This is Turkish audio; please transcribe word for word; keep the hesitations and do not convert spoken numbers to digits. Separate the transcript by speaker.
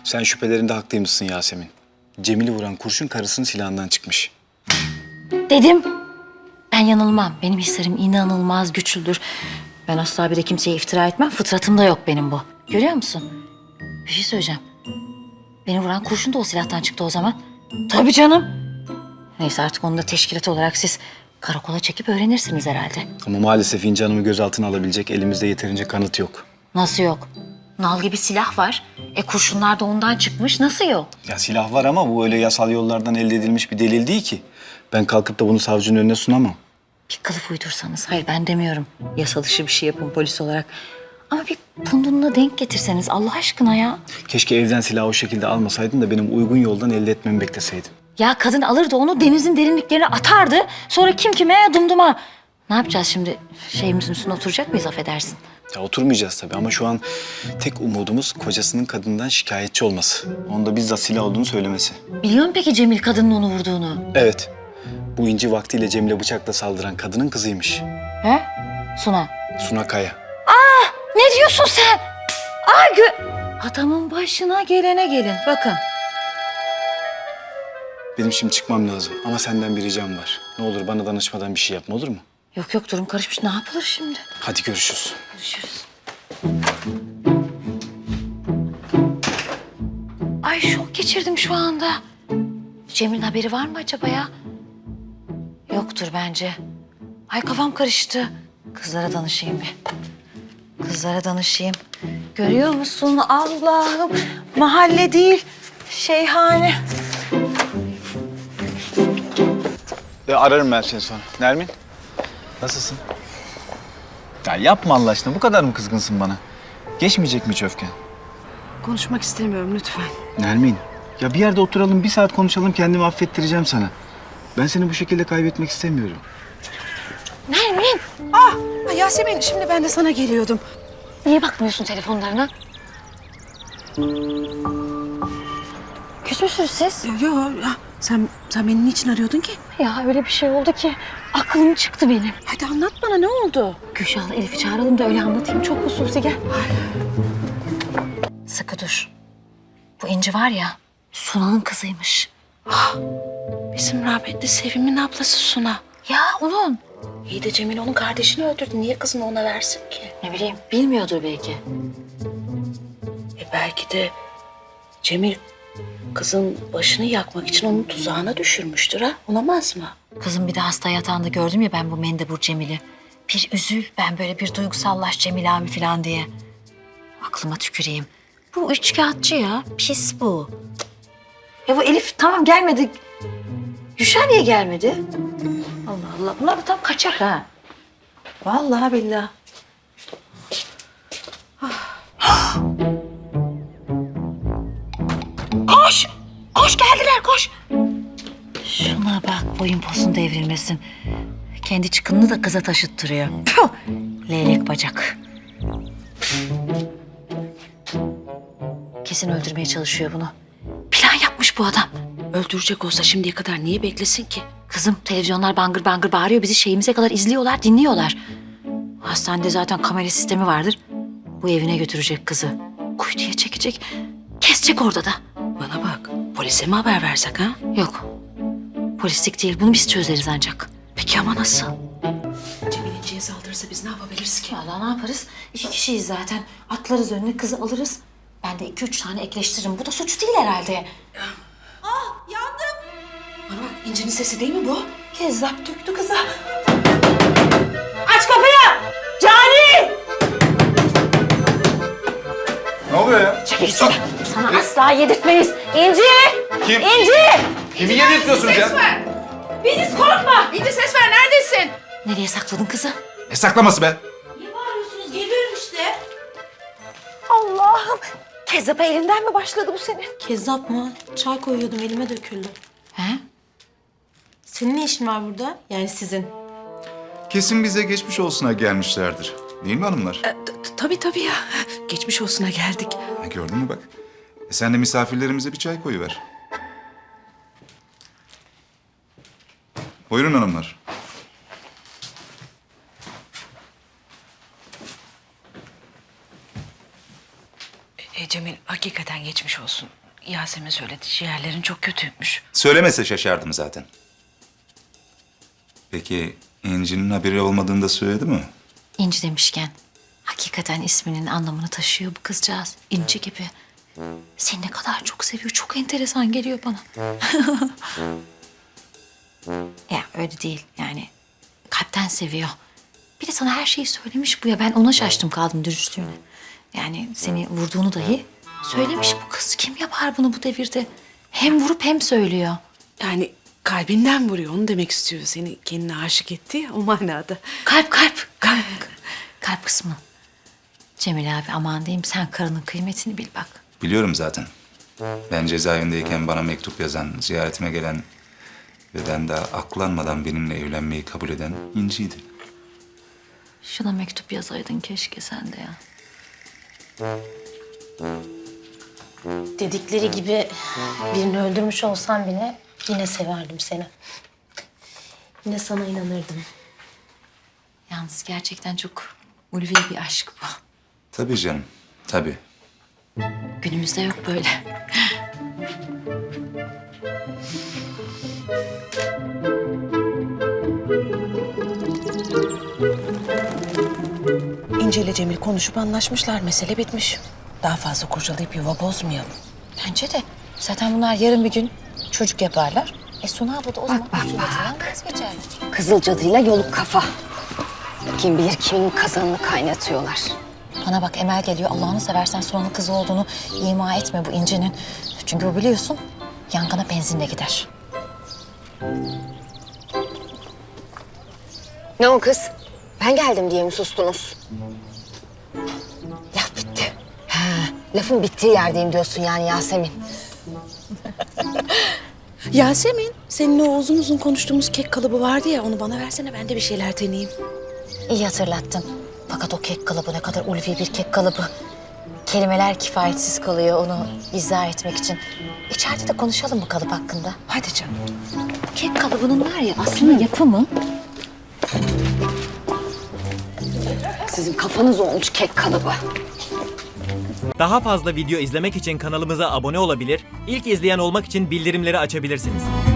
Speaker 1: Sen şüphelerinde haklıymışsın Yasemin. Cemil'i vuran kurşun karısının silahından çıkmış.
Speaker 2: Dedim. Ben yanılmam. Benim hislerim inanılmaz güçlüdür. Ben asla bir de kimseye iftira etmem. Fıtratımda yok benim bu. Görüyor musun? Bir şey söyleyeceğim. Beni vuran kurşun da o silahtan çıktı o zaman. Tabii canım. Neyse artık onu da teşkilat olarak siz karakola çekip öğrenirsiniz herhalde.
Speaker 1: Ama maalesef İnci Hanım'ı gözaltına alabilecek elimizde yeterince kanıt yok.
Speaker 2: Nasıl yok? Nal gibi silah var. E kurşunlar da ondan çıkmış. Nasıl yok?
Speaker 1: Ya silah var ama bu öyle yasal yollardan elde edilmiş bir delil değil ki. Ben kalkıp da bunu savcının önüne sunamam.
Speaker 2: Bir kılıf uydursanız. Hayır ben demiyorum. Yasal dışı bir şey yapın polis olarak. Ama bir pundununa denk getirseniz Allah aşkına ya.
Speaker 1: Keşke evden silahı o şekilde almasaydın da benim uygun yoldan elde etmemi bekleseydin.
Speaker 2: Ya kadın alırdı onu denizin derinliklerine atardı. Sonra kim kime dumduma. Ne yapacağız şimdi? Şeyimizin üstüne oturacak mıyız affedersin?
Speaker 1: Ya oturmayacağız tabii ama şu an tek umudumuz kocasının kadından şikayetçi olması. Onun da bizzat silah olduğunu söylemesi.
Speaker 2: Biliyor musun peki Cemil kadının onu vurduğunu?
Speaker 1: Evet. Bu İnci vaktiyle Cemil'e bıçakla saldıran kadının kızıymış.
Speaker 2: He? Suna.
Speaker 1: Suna Kaya.
Speaker 2: Ne diyorsun sen? Ay gö... Adamın başına gelene gelin. Bakın.
Speaker 1: Benim şimdi çıkmam lazım ama senden bir ricam var. Ne olur bana danışmadan bir şey yapma, olur mu?
Speaker 2: Yok yok durum karışmış. Ne yapılır şimdi?
Speaker 1: Hadi görüşürüz.
Speaker 2: Görüşürüz. Ay şok geçirdim şu anda. Cemil'in haberi var mı acaba ya? Yoktur bence. Ay kafam karıştı. Kızlara danışayım bir. Kızlara danışayım. Görüyor musun Allah'ım? Mahalle değil, şeyhane.
Speaker 1: E, ararım ben seni sonra. Nermin, nasılsın? Ya yapma Allah aşkına. Bu kadar mı kızgınsın bana? Geçmeyecek mi hiç öfken?
Speaker 3: Konuşmak istemiyorum lütfen.
Speaker 1: Nermin, ya bir yerde oturalım, bir saat konuşalım. Kendimi affettireceğim sana. Ben seni bu şekilde kaybetmek istemiyorum.
Speaker 2: Nermin,
Speaker 3: Ah Yasemin, şimdi ben de sana geliyordum.
Speaker 2: niye bakmıyorsun telefonlarına? Küs müsünüz siz?
Speaker 3: Yo, yo ya, sen sen beni niçin arıyordun ki?
Speaker 2: Ya öyle bir şey oldu ki aklım çıktı benim.
Speaker 3: Hadi anlat bana, ne oldu?
Speaker 2: Gülşah'la Elif'i çağıralım da öyle anlatayım. Çok hususi gel. Sıkı dur. Bu İnci var ya, Suna'nın kızıymış.
Speaker 3: Bizim rahmetli Sevim'in ablası Suna.
Speaker 2: Ya onun.
Speaker 3: İyi de Cemil onun kardeşini öldürdü. Niye kızını ona versin ki?
Speaker 2: Ne bileyim, bilmiyordur belki.
Speaker 3: E belki de Cemil kızın başını yakmak için onun tuzağına düşürmüştür ha? Olamaz mı?
Speaker 2: Kızım bir de hasta yatağında gördüm ya ben bu mendebur Cemil'i. Bir üzül, ben böyle bir duygusallaş Cemil abi falan diye. Aklıma tüküreyim. Bu üçkağıtçı ya, pis bu. Ya bu Elif tamam gelmedi. Gülşah niye gelmedi? Allah Allah, bunlar da tam kaçak ha. Vallahi billahi. Ah. Koş! Koş geldiler koş! Şuna bak boyun posun devrilmesin. Kendi çıkınını da kıza taşıttırıyor. Puh! Leylek bacak. Kesin öldürmeye çalışıyor bunu. Plan yapmış bu adam.
Speaker 3: Öldürecek olsa şimdiye kadar niye beklesin ki?
Speaker 2: Kızım televizyonlar bangır bangır bağırıyor. Bizi şeyimize kadar izliyorlar, dinliyorlar. Hastanede zaten kamera sistemi vardır. Bu evine götürecek kızı. Kuytuya çekecek. Kesecek orada da.
Speaker 3: Bana bak, polise mi haber versek ha?
Speaker 2: Yok. Polislik değil. Bunu biz çözeriz ancak.
Speaker 3: Peki ama nasıl? Cemil İnci'ye saldırırsa biz ne yapabiliriz ki?
Speaker 2: Vallahi ne yaparız? İki kişiyiz zaten. Atlarız önüne kızı alırız. Ben de iki üç tane ekleştiririm. Bu da suç değil herhalde.
Speaker 3: Bana bak, İnci'nin sesi değil mi bu?
Speaker 2: Kezzap döktü kıza. Aç kapıyı! Cani!
Speaker 4: Ne oluyor ya?
Speaker 2: Çekilsene. Sana asla yedirtmeyiz. İnci!
Speaker 4: Kim?
Speaker 2: İnci!
Speaker 4: Kimi yedirtiyorsunuz ya?
Speaker 2: Biziz korkma.
Speaker 3: İnci ses ver, neredesin?
Speaker 2: Nereye sakladın kızı?
Speaker 4: Ne saklaması be?
Speaker 2: Allah'ım. Kezzap'a elinden mi başladı bu senin?
Speaker 5: Kezzap mı? Çay koyuyordum elime döküldü.
Speaker 2: He?
Speaker 5: Senin ne işin var burada? Yani sizin.
Speaker 4: Kesin bize geçmiş olsuna gelmişlerdir. Değil mi hanımlar?
Speaker 3: T- Tabii tabii ya. Geçmiş olsuna geldik.
Speaker 4: Ha, gördün mü bak. E sen de misafirlerimize bir çay koyuver. Buyurun hanımlar.
Speaker 3: E, Cemil hakikaten geçmiş olsun. Yasemin söyledi ciğerlerin çok kötüymüş.
Speaker 4: Söylemese şaşardım zaten. Peki İnci'nin haberi olmadığını da söyledi mi?
Speaker 2: İnci demişken hakikaten isminin anlamını taşıyor bu kızcağız. İnci gibi. Seni ne kadar çok seviyor. Çok enteresan geliyor bana. Ya öyle değil yani. Kalpten seviyor. Bir de sana her şeyi söylemiş bu ya. Ben ona şaştım kaldım dürüstlüğüne. Yani seni vurduğunu dahi söylemiş bu kız. Kim yapar bunu bu devirde? Hem vurup hem söylüyor.
Speaker 3: Yani kalbinden vuruyor onu demek istiyor. Seni kendine aşık etti ya o manada.
Speaker 2: Kalp kalp. Kalp, kalp kısmı. Cemil abi aman diyeyim sen karının kıymetini bil bak.
Speaker 4: Biliyorum zaten. Ben cezaevindeyken bana mektup yazan, ziyaretime gelen ve ben daha aklanmadan benimle evlenmeyi kabul eden İnci'ydi.
Speaker 2: Şuna mektup yazaydın keşke sen de ya.
Speaker 5: Dedikleri gibi birini öldürmüş olsam bile yine severdim seni. Yine sana inanırdım.
Speaker 2: Yalnız gerçekten çok ulvi bir aşk bu.
Speaker 4: Tabii canım, tabii.
Speaker 2: Günümüzde yok böyle.
Speaker 3: İnce ile Cemil konuşup anlaşmışlar. Mesele bitmiş. Daha fazla kurcalayıp yuva bozmayalım.
Speaker 2: Bence de. Zaten bunlar yarın bir gün çocuk yaparlar. E Suna abla da o zaman usuletinden vazgeçer.
Speaker 6: Kızıl cadıyla yoluk kafa. Kim bilir kimin kazanını kaynatıyorlar.
Speaker 2: Bana bak Emel geliyor. Allah'ını seversen Suna'nın kızı olduğunu ima etme bu İnci'nin. Çünkü bu biliyorsun yangına benzinle gider.
Speaker 6: Ne o kız? Ben geldim diye mi sustunuz? Laf bitti. Ha, lafın bittiği yerdeyim diyorsun yani Yasemin.
Speaker 3: Yasemin, seninle o uzun uzun konuştuğumuz kek kalıbı vardı ya, onu bana versene, ben de bir şeyler deneyeyim.
Speaker 2: İyi hatırlattın. Fakat o kek kalıbı ne kadar ulvi bir kek kalıbı. Kelimeler kifayetsiz kalıyor onu izah etmek için. İçeride de konuşalım bu kalıp hakkında.
Speaker 3: Hadi canım.
Speaker 2: Kek kalıbının var ya aslında yapımı.
Speaker 6: Sizin kafanız olmuş kek kalıbı.
Speaker 7: Daha fazla video izlemek için kanalımıza abone olabilir, ilk izleyen olmak için bildirimleri açabilirsiniz.